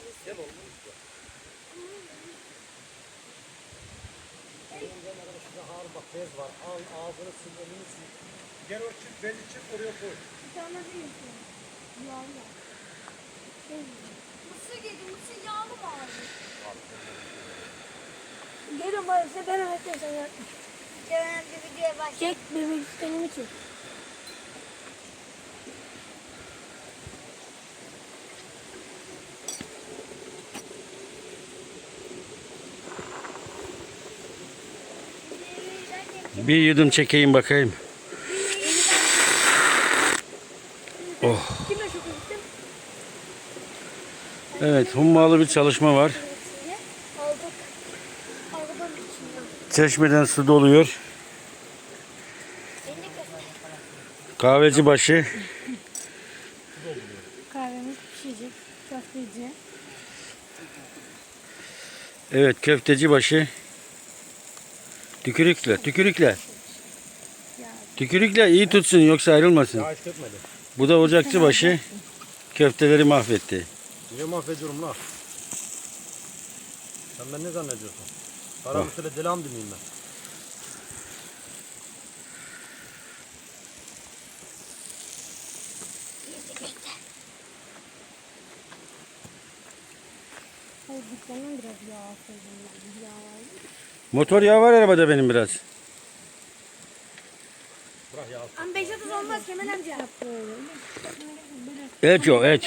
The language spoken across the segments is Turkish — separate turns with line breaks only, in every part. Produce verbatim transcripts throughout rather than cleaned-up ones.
Gel oğlum. Şurada ağır bak bez var. Al ağzını sil, elini sil. Gel o çift bezi çift oraya koy.
Bir tane değil ki. Yağlı. Mısır yedim. Mısır yağlı mı abi? Gelin bari size ben öğreteceğim sana yapmış.
Hemen bir videoya başla.
Çek bebek kendimi çek.
Bir yudum çekeyim bakayım. Oh.
Kimle çok gittim?
Evet, hummalı bir çalışma var.
Aldık. Arabanın içinden.
Çeşmeden su doluyor. Kahveci başı.
Kahvemiz pişecek. Köfteci.
Evet, köfteci başı. Tükürükle, tükürükle. Tükürükle iyi tutsun yoksa ayrılmasın.
Ya hiç dökmedi.
Bu da ocakçı başı. Köfteleri mahvetti.
Niye mahvediyorum la? Sen ben ne zannediyorsun? Paramı söyle delam mıyım ben?
Hayır dükkandan biraz yağ koydum. Yağ var.
Motor yağı var arabada benim biraz.
Bırak ya.
Ama beş otuz olmaz Kemal amca.
Et yok, et.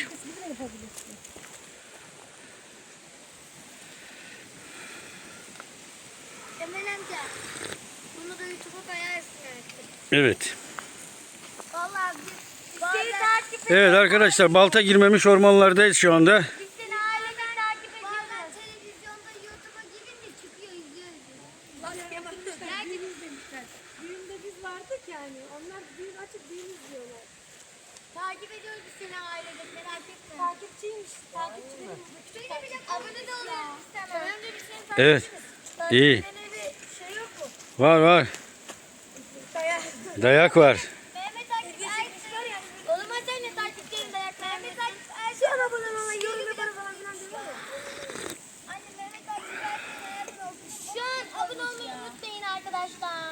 Kemal amca. Bunu da YouTube'a koyarsın artık.
Evet.
Vallahi biz seni takip
Evet arkadaşlar, balta girmemiş ormanlardayız şu anda.
Biz seni aileden takip ediyoruz. Bazen televizyonda YouTube'a girince çıkıyor izliyoruz.
Lan yapmışlar. Düğün izlemişler. Düğünde biz vardık yani. Onlar düğün açıp düğün izliyorlar.
Takip ediyoruz biz seni aileden merak etme.
Takipçiymiş. Takipçilerim.
Şöyle bir de abone de oluyoruz istemem. Önce biz seni takip
Evet.
ederiz.
İyi.
Takipçilere bir şey yok mu?
Var var.
Dayak.
Dayak var.
Mehmet Akif Ersoy. Oğlum sen ne takipçilerin dayak. Mehmet Akif Ersoy.
Şu an abone olana yorum yaparım falan filan diyor ya.
Anne Mehmet Akif Ersoy'un hayatını olsun. Şu an abone olmayı unutmayın arkadaşlar.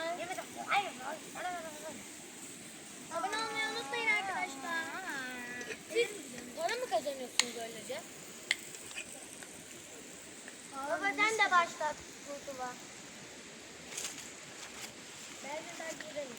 Abone olmayı unutmayın arkadaşlar. Siz para mı kazanıyorsunuz öylece? Baba sen de başlat YouTube'a. Ben de takip ederim.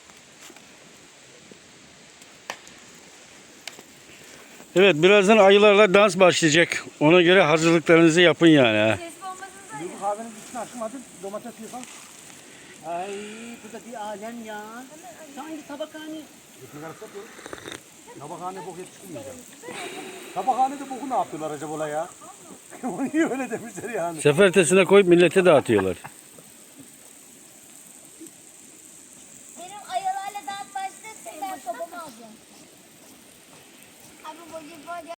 Evet, birazdan ayılarla dans başlayacak. Ona göre hazırlıklarınızı yapın yani. Ha.
Sesli olmasın da.
Bu kahvenin üstüne açmadın. Domates yıkan.
Ay bu da bir alem ya. Sanki tabakhane.
Ekmek arası yapıyorum. Tabakhane bok yetiştirmeyeceğim. Tabakhanede boku ne yapıyorlar acaba ola ya? Niye öyle demişler yani?
Sefertesine koyup millete dağıtıyorlar.
Benim ayılarla dans başlasın ben sobamı alacağım. Abi voleybol